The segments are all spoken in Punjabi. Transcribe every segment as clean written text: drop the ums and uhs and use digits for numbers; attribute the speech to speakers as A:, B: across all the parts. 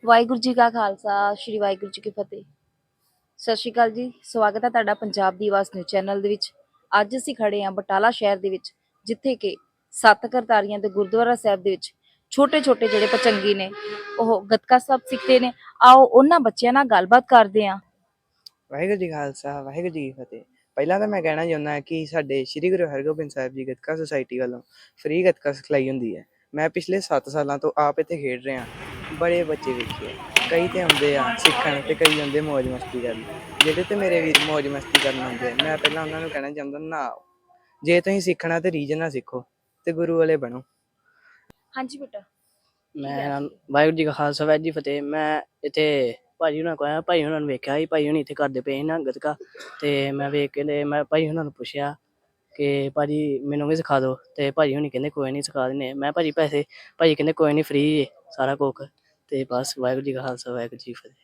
A: ਵਾਹਿਗੁਰੂ ਜੀ ਕਾ ਖਾਲਸਾ, ਸ਼੍ਰੀ ਵਾਹਿਗੁਰੂ ਜੀ ਕੀ ਫਤਿਹ। ਸਤਿ ਸ਼੍ਰੀ ਅਕਾਲ ਜੀ, ਸਵਾਗਤ ਹੈ ਤੁਹਾਡਾ ਪੰਜਾਬ ਦੀ ਆਵਾਜ਼ ਨਿਊਜ਼ ਚੈਨਲ ਦੇ ਵਿੱਚ। ਅੱਜ ਅਸੀਂ ਖੜੇ ਹਾਂ ਬਟਾਲਾ ਸ਼ਹਿਰ ਦੇ ਵਿੱਚ, ਜਿੱਥੇ ਕਿ ਸੱਤ ਕਰਤਾਰੀਆਂ ਦੇ ਗੁਰਦੁਆਰਾ ਸਾਹਿਬ ਦੇ ਵਿੱਚ ਛੋਟੇ-ਛੋਟੇ ਜਿਹੜੇ ਭਚੰਗੀ ਨੇ, ਉਹ ਗੱਤਕਾ ਸਾਹਿਬ ਸਿੱਖਦੇ ਨੇ। ਆਓ ਉਹਨਾਂ ਬੱਚਿਆਂ ਨਾਲ ਗੱਲਬਾਤ ਕਰਦੇ ਹਾਂ।
B: ਵਾਹਿਗੁਰੂ ਜੀ ਖਾਲਸਾ, ਵਾਹਿਗੁਰੂ ਜੀ ਕੀ ਫਤਿਹ। ਪਹਿਲਾਂ ਤਾਂ ਮੈਂ ਕਹਿਣਾ ਚਾਹੁੰਦਾ ਕਿ ਸਾਡੇ ਸ੍ਰੀ ਗੁਰੂ ਹਰਗੋਬਿੰਦ ਸਾਹਿਬ ਜੀ ਗੱਤਕਾ ਸੁਸਾਇਟੀ ਵੱਲੋਂ ਫ੍ਰੀ ਗੱਤਕਾ ਸਿਖਲਾਈ ਹੁੰਦੀ ਹੈ। ਮੈਂ ਪਿਛਲੇ 7 ਸਾਲਾਂ ਤੋਂ ਆਪ ਇੱਥੇ ਖੇਡ ਰਿਹਾ। ਬੜੇ ਬੱਚੇ ਵੇਖੇ ਆ, ਕਈ ਤੇ ਆਉਂਦੇ ਆ ਸਿੱਖਣ ਤੇ ਕਈ ਆਉਂਦੇ ਮੌਜ ਮਸਤੀ ਕਰਨ। ਜਿਹੜੇ ਤੇ ਮੇਰੇ ਵੀਰ ਮੌਜ ਮਸਤੀ ਕਰਨ ਆਉਂਦੇ ਆ, ਮੈਂ ਪਹਿਲਾਂ ਉਹਨਾਂ ਨੂੰ ਕਹਿਣਾ ਚਾਹੁੰਦਾ ਨਾ ਆਓ। ਜੇ ਤੁਸੀਂ ਸਿੱਖਣਾ ਤੇ ਰੀਝ ਨਾਲ ਸਿੱਖੋ ਤੇ ਗੁਰੂ ਵਾਲੇ ਬਣੋ।
A: ਹਾਂਜੀ ਬੇਟਾ।
C: ਮੈਂ ਵਾਹਿਗੁਰੂ ਜੀ ਕਾ ਖਾਲਸਾ, ਵਾਹਿਗੁਰੂ ਜੀ ਫਤਿਹ। ਮੈਂ ਇੱਥੇ ਭਾਜੀ ਹੁਣਾਂ ਕੋਲ ਆਇਆ, ਭਾਈ ਹੁਣਾਂ ਨੂੰ ਵੇਖਿਆ ਸੀ, ਭਾਈ ਹੁਣੀ ਇੱਥੇ ਕਰਦੇ ਪਏ ਸੀ ਨਾ ਗੱਤਕਾ। ਤੇ ਮੈਂ ਵੇਖ ਕੇ ਤੇ ਮੈਂ ਭਾਈ ਹੁਣਾਂ ਨੂੰ ਪੁੱਛਿਆ ਕਿ ਭਾਜੀ ਮੈਨੂੰ ਵੀ ਸਿਖਾ ਦਿਓ। ਤੇ ਭਾਜੀ ਹੁਣੀ ਕਹਿੰਦੇ ਕੋਈ ਨਹੀਂ ਸਿਖਾ ਦਿੰਦੇ। ਮੈਂ ਭਾਜੀ ਭਾਜੀ ਕਹਿੰਦੇ ਕੋਈ ਨਹੀਂ, ਫ੍ਰੀ ਸਾਰਾ ਕੁੱਖ। ਤੇ ਬਸ ਵਾਹਿਗੁਰੂ ਜੀ ਕਾ ਖਾਲਸਾ, ਵਾਹਿਗੁਰੂ ਜੀ ਕੀ ਫਤਿਹ।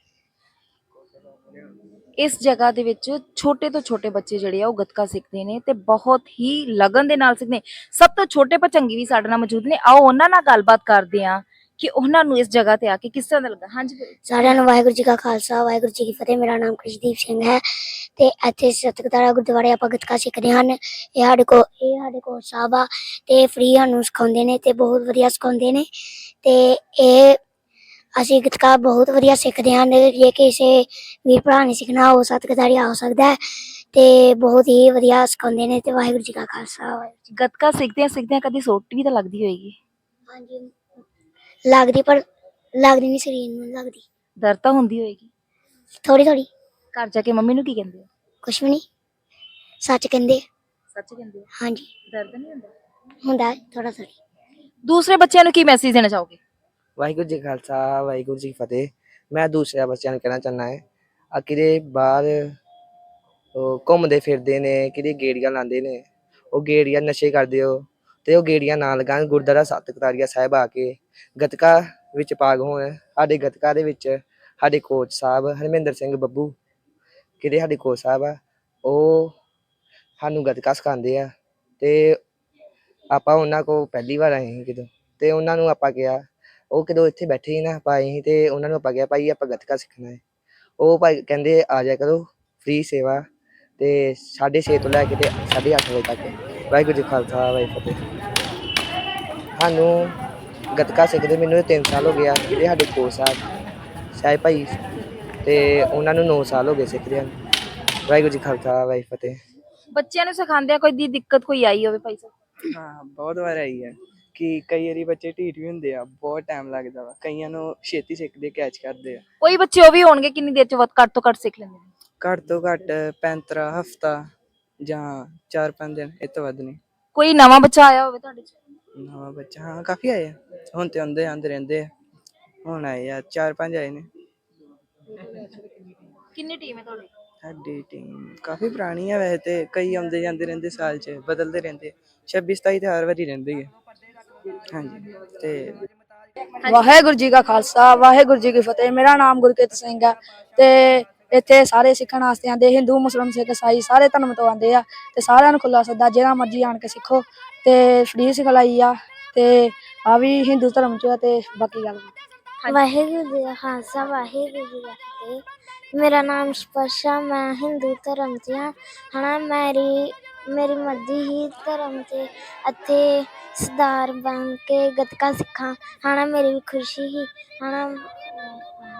A: ਇਸ ਜਗ੍ਹਾ ਦੇ ਵਿੱਚ ਛੋਟੇ ਤੋਂ ਛੋਟੇ ਬੱਚੇ ਜਿਹੜੇ ਆ ਉਹ ਗੱਤਕਾ ਸਿੱਖਦੇ ਨੇ ਤੇ ਬਹੁਤ ਹੀ ਲਗਨ ਦੇ ਨਾਲ ਸਿੱਖਦੇ ਨੇ। ਸਭ ਤੋਂ ਛੋਟੇ ਭਚੰਗੀ ਵੀ ਸਾਡੇ ਨਾਲ ਮੌਜੂਦ ਨੇ, ਆਓ ਉਹਨਾਂ ਨਾਲ ਗੱਲਬਾਤ ਕਰਦੇ ਹਾਂ ਕਿ ਉਹਨਾਂ ਨੂੰ ਇਸ ਜਗ੍ਹਾ ਤੇ ਆ ਕੇ ਕਿਸ ਤਰ੍ਹਾਂ ਦਾ ਲੱਗਾ। ਹਾਂਜੀ
D: ਸਾਰਿਆਂ ਨੂੰ ਵਾਹਿਗੁਰੂ ਜੀ ਕਾ ਖਾਲਸਾ, ਵਾਹਿਗੁਰੂ ਜੀ ਕੀ ਫਤਿਹ। ਮੇਰਾ ਨਾਮ ਕ੍ਰਿਸ਼ਦੀਪ ਸਿੰਘ ਹੈ ਤੇ ਇੱਥੇ ਸਤਿਗੁਰਦੁਆਰਾ ਗੁਰਦੁਆਰੇ ਆਪਾਂ ਗੱਤਕਾ ਸਿੱਖਦੇ ਹਨ। ਇਹ ਸਾਡੇ ਕੋਚ ਸਾਹਿਬ ਆ ਤੇ ਫ੍ਰੀ ਸਾਨੂੰ ਸਿਖਾਉਂਦੇ ਨੇ ਤੇ ਬਹੁਤ ਵਧੀਆ ਸਿਖਾਉਂਦੇ ਨੇ। ਤੇ ਇਹ ਅਸੀਂ ਗੱਤਕਾ ਬਹੁਤ ਵਧੀਆ ਸਿੱਖਦੇ ਹਨ। ਜੇ ਕਿਸੇ ਵੀਰ ਭਰਾ ਨੇ ਸਿੱਖਣਾ ਉਹ ਸਤਿਗੁਰਦੁਆਰੇ ਆ ਸਕਦਾ ਹੈ ਤੇ ਬਹੁਤ ਹੀ ਵਧੀਆ ਸਿਖਾਉਂਦੇ ਨੇ। ਤੇ ਵਾਹਿਗੁਰੂ ਜੀ ਕਾ ਖਾਲਸਾ।
A: ਗੱਤਕਾ ਸਿੱਖਦਿਆਂ ਕਦੀ ਸੋਟੀ ਵੀ ਤਾਂ ਲੱਗਦੀ ਹੋਏਗੀ।
D: ਹਾਂਜੀ, ਲੱਗਦੀ, ਪਰ ਲੱਗਦੀ ਨਹੀਂ, ਸਰੀਰ ਨੂੰ ਲੱਗਦੀ,
A: ਦਰਦ ਤਾਂ ਹੁੰਦੀ ਹੋਏਗੀ
D: ਥੋੜੀ ਥੋੜੀ।
A: ਘਰ ਜਾ ਕੇ ਮੰਮੀ ਨੂੰ ਕੀ ਕਹਿੰਦੇ ਹੋ?
D: ਕੁਛ ਵੀ ਨਹੀਂ, ਸੱਚ ਕਹਿੰਦੇ।
A: ਸੱਚ ਕਹਿੰਦੇ ਹੋ?
D: ਹਾਂਜੀ,
A: ਦਰਦ ਨਹੀਂ ਹੁੰਦਾ?
D: ਹੁੰਦਾ ਥੋੜਾ ਥੋੜੀ।
A: ਦੂਸਰੇ ਬੱਚਿਆਂ ਨੂੰ ਕੀ ਮੈਸੇਜ ਦੇਣਾ ਚਾਹੋਗੇ?
B: ਵਾਹਿਗੁਰੂ ਜੀ ਕਾ ਖਾਲਸਾ, ਵਾਹਿਗੁਰੂ ਜੀ ਕੀ ਫਤਿਹ। ਮੈਂ ਦੂਸਰਿਆਂ ਬੱਚਿਆਂ ਨੂੰ ਕਹਿਣਾ ਚਾਹੁੰਦਾ ਹੈ ਆ ਕਿਤੇ ਬਾਹਰ ਉਹ ਘੁੰਮਦੇ ਫਿਰਦੇ ਨੇ, ਕਿਤੇ ਗੇੜੀਆਂ ਲਾਉਂਦੇ ਨੇ, ਉਹ ਗੇੜੀਆਂ ਨਸ਼ੇ ਕਰਦੇ ਹੋ ਤੇ ਉਹ ਗੇੜੀਆਂ ਨਾ ਲਗਾਉਣ। ਗੁਰਦੁਆਰਾ ਸੱਤ ਕਰਤਾਰੀਆ ਸਾਹਿਬ ਆ ਕੇ ਗੱਤਕਾ ਵਿੱਚ ਭਾਗ ਹੋਣ। ਸਾਡੇ ਗੱਤਕਾ ਦੇ ਵਿੱਚ ਸਾਡੇ ਕੋਚ ਸਾਹਿਬ ਹਰਮਿੰਦਰ ਸਿੰਘ ਬੱਬੂ, ਕਿਤੇ ਸਾਡੇ ਕੋਚ ਸਾਹਿਬ ਆ, ਉਹ ਸਾਨੂੰ ਗੱਤਕਾ ਸਿਖਾਉਂਦੇ ਆ। ਤੇ ਆਪਾਂ ਉਹਨਾਂ ਕੋਲ ਪਹਿਲੀ ਵਾਰ ਆਏ ਸੀ ਕਿਦੋਂ, ਤੇ ਉਹਨਾਂ ਨੂੰ ਆਪਾਂ ਕਿਹਾ, ਉਹ ਕਿਦੋਂ ਇੱਥੇ ਬੈਠੇ ਸੀ ਨਾ, ਆਪਾਂ ਆਏ ਸੀ ਤੇ ਉਹਨਾਂ ਨੂੰ ਆਪਾਂ ਕਿਹਾ ਭਾਈ ਆਪਾਂ ਗੱਤਕਾ ਸਿੱਖਣਾ ਹੈ। ਉਹ ਭਾਈ ਕਹਿੰਦੇ ਆ ਜਾਇਆ ਕਰੋ, ਫ੍ਰੀ ਸੇਵਾ ਤੇ 6:30 ਤੋਂ ਲੈ ਕੇ ਤੇ 8:30 ਵਜੇ ਤੱਕ। ਵਾਹਿਗੁਰੂ ਜੀ ਖਾਲਸਾ, ਵਾਹਿਗੁਰੂ ਫਤਿਹ। ਸਾਨੂੰ ਗੱਤਕਾ ਸਿੱਖਦੇ ਮੈਨੂੰ 3 ਸਾਲ ਹੋ ਗਿਆ। ਜਿਹੜੇ ਸਾਡੇ ਕੋਚ ਸਾਹਿਬ ਭਾਈ ਤੇ ਉਹਨਾਂ ਨੂੰ 9 ਸਾਲ ਹੋ ਗਏ ਸਿੱਖਦੇ ਹਨ। ਵਾਹਿਗੁਰੂ ਜੀ ਖਾਲਸਾ, ਵਾਹਿਗੁਰੂ ਫਤਿਹ।
A: ਬੱਚਿਆਂ ਨੂੰ ਸਿਖਾਉਂਦਿਆਂ ਕੋਈ ਦੀ ਦਿੱਕਤ ਕੋਈ ਆਈ ਹੋਵੇ ਭਾਈ ਸਾਹਿਬ?
B: ਹਾਂ, ਬਹੁਤ ਵਾਰ ਆਈ ਹੈ ਕਿ ਕਈ ਵਾਰੀ ਬੱਚੇ ਢੀਠ ਵੀ ਹੁੰਦੇ ਆ, ਬਹੁਤ ਟਾਈਮ ਲੱਗਦਾ ਵਾ। ਕਈਆਂ ਨੂੰ ਛੇਤੀ ਸਿੱਖਦੇ, ਕੈਚ ਕਰਦੇ ਆ।
A: ਕੋਈ ਬੱਚੇ ਉਹ ਵੀ ਹੋਣਗੇ ਕਿੰਨੀ ਦੇਰ ਚ ਘੱਟ ਤੋਂ ਘੱਟ ਸਿੱਖ ਲੈਂਦੇ ਨੇ?
B: ਘੱਟ ਤੋਂ ਘੱਟ 35 ਹਫ਼ਤਾ ਜਾਂ 4-5 ਦਿਨ, ਇਹ ਤੋਂ ਵੱਧ ਨਹੀਂ।
A: ਕੋਈ ਨਵਾਂ ਬੱਚਾ ਆਇਆ ਹੋਵੇ ਤੁਹਾਡੇ ਚ?
B: ਨਵਾਂ ਬੱਚਾ ਹਾਂ ਕਾਫੀ ਆਏ ਆ, ਹੁਣ ਤੇ ਆਉਂਦੇ ਰਹਿੰਦੇ ਆ। ਹੁਣ ਆਏ ਆ 4-5 ਆਏ ਨੇ।
A: ਕਿੰਨੀ ਟੀਮ ਹੈ ਤੁਹਾਡੀ?
B: ਸਾਡੀ ਟੀਮ ਕਾਫੀ ਪੁਰਾਣੀ ਆ ਵੈਸੇ ਤੇ, ਕਈ ਆਉਂਦੇ ਜਾਂਦੇ ਰਹਿੰਦੇ, ਸਾਲ 'ਚ ਬਦਲਦੇ ਰਹਿੰਦੇ। 26-27 ਤੇ ਹਰ ਵਾਰੀ ਰਹਿੰਦੇ ਹੀ ਹੈ। ਹਾਂਜੀ ਤੇ
E: ਵਾਹਿਗੁਰੂ ਜੀ ਕਾ ਖਾਲਸਾ, ਵਾਹਿਗੁਰੂ ਜੀ ਕੀ ਫਤਿਹ। ਮੇਰਾ ਨਾਮ ਗੁਰਕਿਰਤ ਸਿੰਘ ਹੈ ਤੇ ਇੱਥੇ ਸਾਰੇ ਸਿੱਖਣ ਵਾਸਤੇ ਆਉਂਦੇ, ਹਿੰਦੂ ਮੁਸਲਿਮ ਸਿੱਖ ਈਸਾਈ ਸਾਰੇ ਧਰਮ ਤੋਂ ਆਉਂਦੇ ਆ ਤੇ ਸਾਰਿਆਂ ਨੂੰ ਖੁੱਲਾ ਸੱਦਾ, ਜਿਹੜਾ ਮਰਜ਼ੀ ਆਣ ਕੇ ਸਿੱਖੋ ਤੇ ਫ੍ਰੀ ਸਿਖਲਾਈ ਆ। ਤੇ ਆ ਵੀ ਹਿੰਦੂ ਧਰਮ ਚ ਤੇ ਬਾਕੀ ਗੱਲ
D: ਵਾਹਿਗੁਰੂ ਜੀ ਦਾ ਖਾਲਸਾ, ਵਾਹਿਗੁਰੂ ਜੀ ਦਾ ਫਤਿਹ। ਮੇਰਾ ਨਾਮ ਸਪਰਸ਼ਾ, ਮੈਂ ਹਿੰਦੂ ਧਰਮ 'ਚ ਹਾਂ। ਮੇਰੀ ਮਰਜ਼ੀ ਹੀ ਧਰਮ 'ਚ ਇੱਥੇ ਸਰਦਾਰ ਬਣ ਕੇ ਗੱਤਕਾ ਸਿੱਖਾਂ। ਮੇਰੀ ਵੀ ਖੁਸ਼ੀ ਹੀ